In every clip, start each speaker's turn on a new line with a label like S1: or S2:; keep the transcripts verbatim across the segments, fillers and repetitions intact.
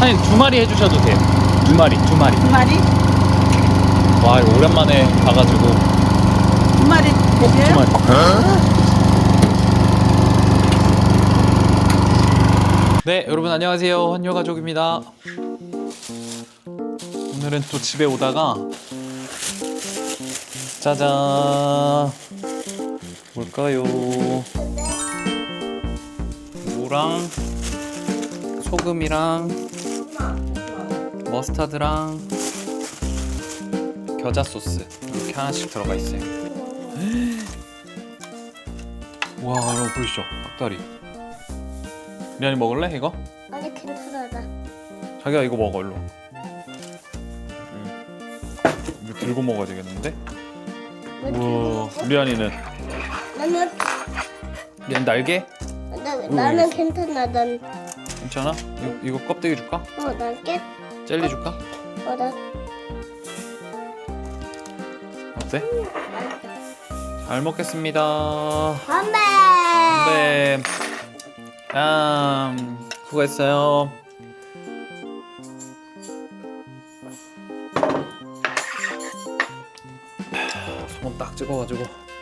S1: 사장님 두 마리 해주셔도 돼요. 두 마리, 두 마리.
S2: 두 마리?
S1: 와, 이거 오랜만에 봐가지고.
S2: 두 마리
S1: 두
S2: 드세요?
S1: 마리. 네, 여러분 안녕하세요. 헌요 가족입니다. 오늘은 또 집에 오다가 짜잔, 뭘까요? 무랑 소금이랑 머스타드랑 겨자 소스 이렇게 하나씩 들어가 있어요. 와, 여러분 보이시죠? 닭다리. 리안이 먹을래 이거?
S3: 아니 괜찮아.
S1: 자기야 이거 먹어 일로. 이거 들고 먹어야 되겠는데? 우와, 리안이는?
S3: 나는
S1: 리안 날개?
S3: 나, 나는 괜찮아. 난
S1: 괜찮아? 이거, 이거 껍데기 줄까?
S3: 어, 난 깨.
S1: 젤리 줄까?
S3: 어, 나
S1: 어때? 잘 먹겠습니다.
S3: 건배.
S1: 네. 음, 수고했어요. 소금 딱 찍어가지고.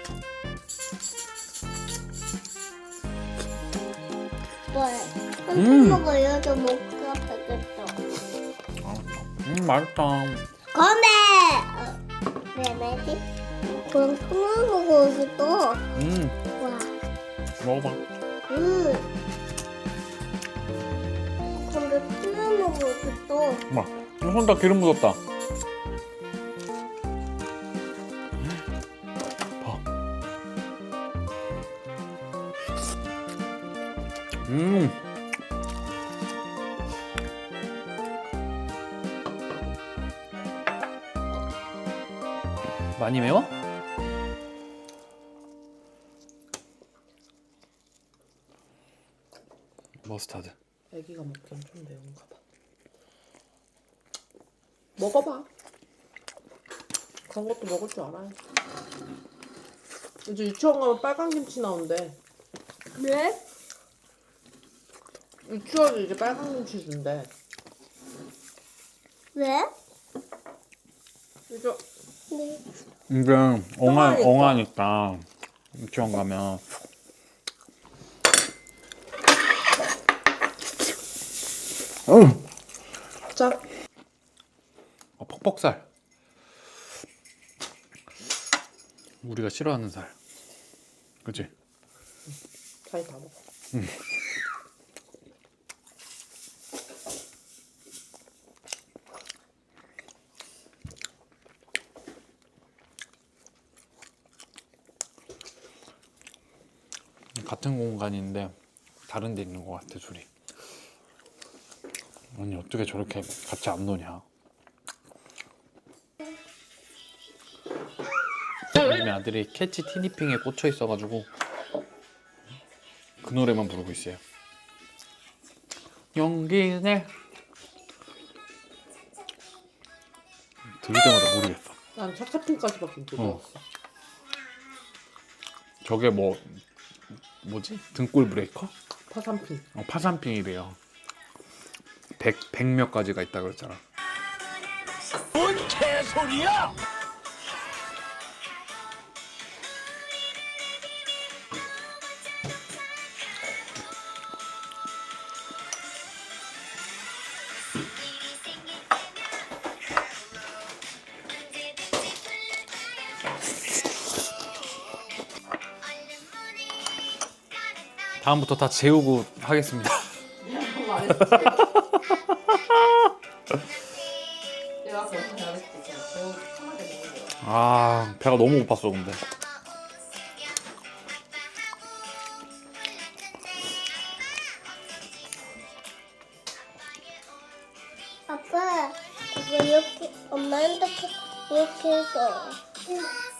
S3: 뭐해?
S1: 음.
S3: 한번 먹어요. 저 먹가 되겠어.
S1: 음, 맛있다.
S3: 건배. 어, 왜 말지? 그럼 손을 먹고 있어.
S1: 음,
S3: 와.
S1: 먹어봐.
S3: 음. 근데 손을 먹고 있어.
S1: 엄마, 손 다 기름 묻었다. 봐. 음. 많이 매워? 머스타드.
S2: 애기가 먹기엔 좀 매운가 봐. 먹어봐. 그런 것도 먹을 줄 알아요. 이제 유치원 가면 빨간 김치 나온대.
S3: 왜?
S2: 유치원에 이제 빨간 김치 준대.
S3: 왜?
S2: 이제
S3: 네.
S1: 이게 엉아,
S2: 엉아니까.
S1: 엉아니까 유치원 가면 음.
S2: 자,
S1: 어, 퍽퍽살. 우리가 싫어하는 살. 그치?
S2: 자기 다 먹어.
S1: 같은 공간인데 다른 데 있는 것 같아 둘이. 아니 어떻게 저렇게 같이 안 노냐. 요즘에 아들이 캐치 티니핑에 꽂혀 있어가지고 그 노래만 부르고 있어요. 용기내. 들을 때마다 모르겠어.
S2: 난 차차핑까지밖에 못 들어봤어.
S1: 저게 뭐 뭐지? 등골 브레이커?
S2: 파산핑.
S1: 어, 파산핑이래요. 백, 백 몇 가지가 있다 그랬잖아.
S4: 뭔 개소리야!
S1: 다음부터 다 재우고 하겠습니다. 아, 배가 너무 고팠어 근데.
S3: 아빠, 이거 이렇게 엄마한테 이렇게 해서.